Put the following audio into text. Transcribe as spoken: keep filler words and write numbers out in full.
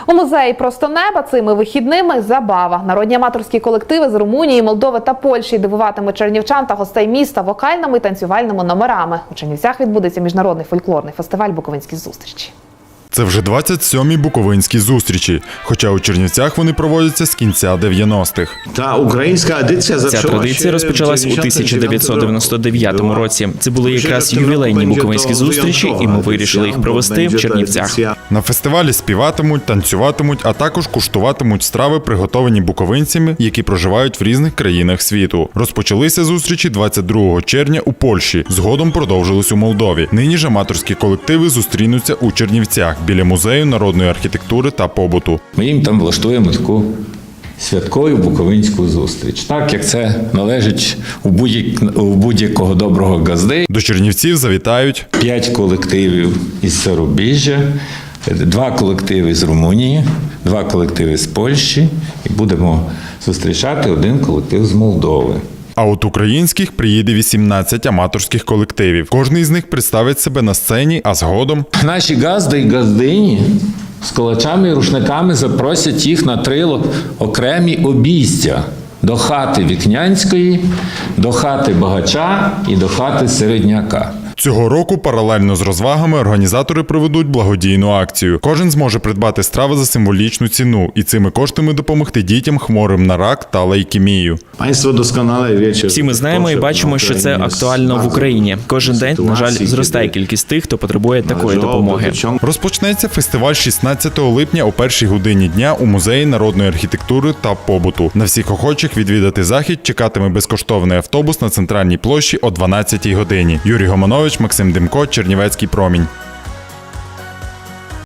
У музеї «Просто неба» цими вихідними забава. Народні аматорські колективи з Румунії, Молдови та Польщі дивуватимуть чернівчан та гостей міста вокальними і танцювальними номерами. У Чернівцях відбудеться міжнародний фольклорний фестиваль «Буковинські зустрічі». Це вже двадцять сьомі буковинські зустрічі, хоча у Чернівцях вони проводяться з кінця дев'яностих. Та українська адиція Ця традиція розпочалась у тисяча дев'ятсот дев'яносто дев'ятому році. Це були якраз ювілейні буковинські зустрічі, і ми вирішили їх провести в Чернівцях. На фестивалі співатимуть, танцюватимуть, а також куштуватимуть страви, приготовані буковинцями, які проживають в різних країнах світу. Розпочалися зустрічі двадцять другого червня у Польщі, згодом продовжились у Молдові. Нині ж аматорські колективи зустрінуться у Чернівцях біля музею народної архітектури та побуту. Ми їм там влаштуємо таку святкову буковинську зустріч, так як це належить у будь-якого доброго газди. До Чернівців завітають П'ять колективів із Зарубіжжя, два колективи з Румунії, два колективи з Польщі і будемо зустрічати один колектив з Молдови. А от українських приїде вісімнадцять аматорських колективів. Кожний з них представить себе на сцені, а згодом Наші газди і газдині з кулачами і рушниками запросять їх на три окремі обійстя. До хати Вікнянської, до хати Багача і до хати Середняка. цього року паралельно з розвагами організатори проведуть благодійну акцію. Кожен зможе придбати страви за символічну ціну і цими коштами допомогти дітям хворим на рак та лейкемію. Всі ми знаємо і бачимо, що це актуально в Україні. Кожен день, на жаль, зростає кількість тих, хто потребує такої допомоги. Розпочнеться фестиваль шістнадцятого липня о першій годині дня у Музеї народної архітектури та побуту. На всіх охочих відвідати захід чекатиме безкоштовний автобус на центральній площі о дванадцятій годині. Юрій Гоманович, Максим Демко, Чернівецький промінь.